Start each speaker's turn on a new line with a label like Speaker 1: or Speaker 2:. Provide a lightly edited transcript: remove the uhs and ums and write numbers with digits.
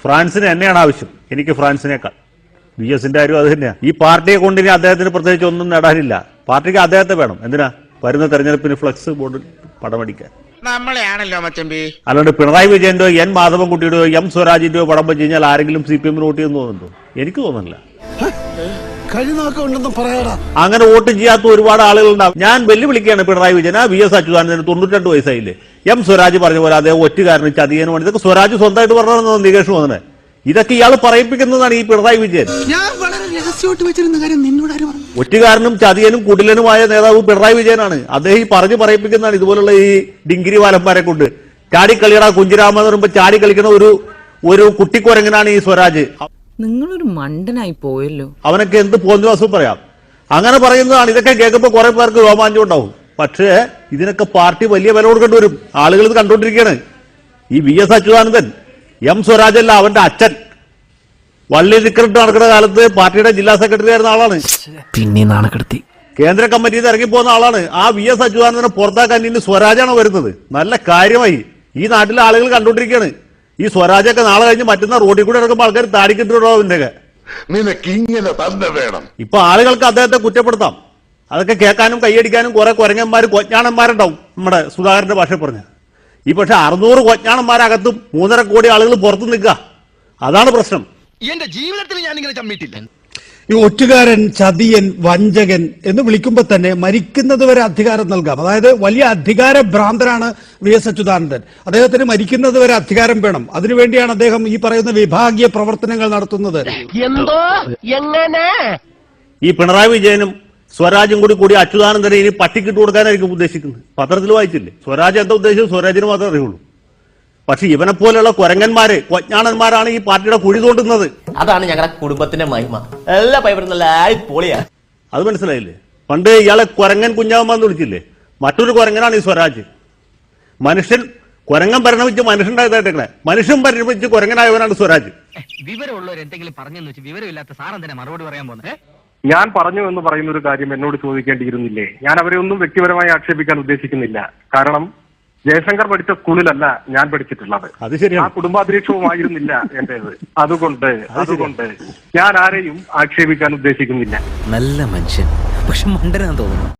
Speaker 1: ഫ്രാൻസിന് എന്നെയാണ് ആവശ്യം, എനിക്ക് ഫ്രാൻസിനേക്കാൾ. VSന്റെ കാര്യം അത് തന്നെയാണ്. ഈ പാർട്ടിയെ കൊണ്ടിനി അദ്ദേഹത്തിന് പ്രത്യേകിച്ച് ഒന്നും നേടാനില്ല. പാർട്ടിക്ക് അദ്ദേഹത്തെ വേണം. എന്തിനാ? വരുന്ന തെരഞ്ഞെടുപ്പിന് ഫ്ലക്സ് ബോർഡിൽ പടമടിക്കാൻ.
Speaker 2: നമ്മളെയാണല്ലോ മച്ചമ്പി.
Speaker 1: അല്ലാണ്ട് പിണറായി വിജയന്റെയോ N മാധവൻകുട്ടിയുടെയോ M സ്വരാജിന്റെയോ പടം വെച്ച് കഴിഞ്ഞാൽ ആരെങ്കിലും CPM വോട്ട് ചെയ്യുന്നു തോന്നുന്നുണ്ടോ? എനിക്ക് തോന്നുന്നില്ല. അങ്ങനെ വോട്ട് ചെയ്യാത്ത ഒരുപാട് ആളുകളുണ്ടാവും. ഞാൻ വെല്ലുവിളിക്കുകയാണ് പിണറായി വിജയൻ. VS അച്യുതാനന്ദന് 92 വയസ്സായില്ലേ? M സ്വരാജ് പറഞ്ഞ പോലെ അതേ ഒറ്റുകാരന് ചതിയനും വേണ്ടി ഇതൊക്കെ സ്വരാജ് സ്വന്തമായിട്ട് പറഞ്ഞതെന്ന് നികേഷ് വന്നത്. ഇതൊക്കെ ഇയാൾ പറയിപ്പിക്കുന്നതാണ് ഈ പിണറായി വിജയൻ. ഒറ്റുകാരനും ചതിയനും കുടിലനുമായ നേതാവ് പിണറായി വിജയനാണ്. അദ്ദേഹം ഈ പറഞ്ഞു പറയിപ്പിക്കുന്നതാണ് ഇതുപോലുള്ള ഈ ഡിങ്കിരി വാലന്മാരെ കൊണ്ട്. ചാടിക്കളിയുടെ കുഞ്ചിരാമ എന്ന് പറയുമ്പോൾ ചാടിക്കളിക്കുന്ന ഒരു കുട്ടിക്കുരങ്ങനാണ് ഈ സ്വരാജ്.
Speaker 3: നിങ്ങളൊരു മണ്ടനായി പോയല്ലോ.
Speaker 1: അവനൊക്കെ എന്ത് പോന്നുവാസം പറയാം. അങ്ങനെ പറയുന്നതാണ്. ഇതൊക്കെ കേൾക്കുമ്പോൾ കുറെ പേർക്ക് രോമാഞ്ചം ഉണ്ടാവും. പക്ഷേ ഇതിനൊക്കെ പാർട്ടി വലിയ വില കൊടുക്കേണ്ടി വരും. ആളുകൾ ഇത് കണ്ടുകൊണ്ടിരിക്കുകയാണ്. ഈ VS അച്യുതാനന്ദൻ M സ്വരാജല്ല, അവന്റെ അച്ഛൻ വള്ളി റിക്രൂട്ട് നടക്കുന്ന കാലത്ത് പാർട്ടിയുടെ ജില്ലാ സെക്രട്ടറി ആയിരുന്ന ആളാണ്.
Speaker 4: പിന്നെ നാണക്കെടുത്തി
Speaker 1: കേന്ദ്ര കമ്മിറ്റിയിൽ നിന്ന് ഇറങ്ങിപ്പോകുന്ന ആളാണ്. ആ VS അച്യുതാനന്ദനെ പുറത്താക്കാൻ ഇനി സ്വരാജാണ് വരുന്നത്. നല്ല കാര്യമായി. ഈ നാട്ടിലെ ആളുകൾ കണ്ടുകൊണ്ടിരിക്കുകയാണ്. ഈ സ്വരാജൊക്കെ നാളെ കഴിഞ്ഞ് മറ്റുന്ന റോഡിൽ കൂടെ ഇറങ്ങുമ്പോൾ ആൾക്കാർ താടിക്കിട്ടുണ്ടോ അവന്റെയൊക്കെ. ഇപ്പൊ ആളുകൾക്ക് അദ്ദേഹത്തെ കുറ്റപ്പെടുത്താം. അതൊക്കെ കേൾക്കാനും കൈയടിക്കാനും കുറെ കുരങ്ങന്മാർ കൊഞ്ഞാണന്മാരുണ്ടാവും. നമ്മുടെ സുധാകരന്റെ ഭാഷ പറഞ്ഞ ഈ പക്ഷെ 600 കൊഞ്ഞാണന്മാരകത്തും 3.5 കോടി ആളുകൾ പുറത്തു നിൽക്കുക. അതാണ് പ്രശ്നം.
Speaker 2: എന്റെ ജീവിതത്തിൽ ഞാൻ ഇങ്ങനെ ചമ്മിട്ടില്ല.
Speaker 5: ഈ ഒറ്റുകാരൻ, ചതിയൻ, വഞ്ചകൻ എന്ന് വിളിക്കുമ്പോൾ തന്നെ മരിക്കുന്നത് വരെ അധികാരം നൽകാം. അതായത് വലിയ അധികാര ഭ്രാന്തനാണ് VS അച്യുതാനന്ദൻ. അദ്ദേഹത്തിന് മരിക്കുന്നത് വരെ അധികാരം വേണം. അതിനുവേണ്ടിയാണ് അദ്ദേഹം ഈ പറയുന്ന വിഭാഗീയ പ്രവർത്തനങ്ങൾ നടത്തുന്നത്.
Speaker 2: എന്തോ എങ്ങനെ
Speaker 1: ഈ പിണറായി വിജയനും സ്വരാജും കൂടി അച്യുതാനന്ദനെ ഇനി പട്ടിക്കിട്ട് കൊടുക്കാനായിരിക്കും ഉദ്ദേശിക്കുന്നത്. പത്രത്തിൽ വായിച്ചില്ലേ? സ്വരാജ് എന്താ ഉദ്ദേശിച്ചത്? സ്വരാജിന് മാത്രമേ അറിയുള്ളൂ. പക്ഷെ ഇവനെ പോലെയുള്ള കുരങ്ങന്മാര്, കൊഞ്ഞാണന്മാരാണ് ഈ പാർട്ടിയുടെ കുഴി തോണ്ടുന്നത്.
Speaker 6: അതാണ് ഞങ്ങളുടെ കുടുംബത്തിന്റെ മഹിമ. എല്ലാ പൈപ്പറും നല്ല പൊളിയാ.
Speaker 1: അത് മനസ്സിലായില്ലേ? പണ്ട് ഇയാളെ കുരങ്ങൻ കുഞ്ഞാമെന്ന് വിളിച്ചില്ലേ? മറ്റൊരു കുരങ്ങനാണ് ഈ സ്വരാജ്. മനുഷ്യൻ കുരങ്ങൻ പരിണമിച്ച് മനുഷ്യണ്ടായതായിട്ടേ, മനുഷ്യൻ പരിണമിച്ച് കുരങ്ങനായവനാണ് സ്വരാജ്.
Speaker 7: വിവരമുള്ളവർ എന്തെങ്കിലും പറഞ്ഞെന്ന് വെച്ച് വിവരമില്ലാത്ത സാറെന്തിനാ മറുപടി പറയാൻ പോകുന്നത്?
Speaker 8: ഞാൻ പറഞ്ഞു എന്ന് പറയുന്ന ഒരു കാര്യം എന്നോട് ചോദിക്കേണ്ടിയിരുന്നില്ലേ? ഞാൻ അവരെ ഒന്നും വ്യക്തിപരമായി ആക്ഷേപിക്കാൻ ഉദ്ദേശിക്കുന്നില്ല. കാരണം ജയശങ്കർ പഠിച്ച സ്കൂളിലല്ല ഞാൻ പഠിച്ചിട്ടുള്ളത്.
Speaker 1: അത് ശരിയാണ്.
Speaker 8: ആ കുടുംബാന്തരീക്ഷവുമായിരുന്നില്ല എന്റേത്. അതുകൊണ്ട് ഞാൻ ആരെയും ആക്ഷേപിക്കാൻ ഉദ്ദേശിക്കുന്നില്ല.
Speaker 4: നല്ല മനുഷ്യൻ, പക്ഷെ മണ്ടനാന്ന് തോന്നുന്നു.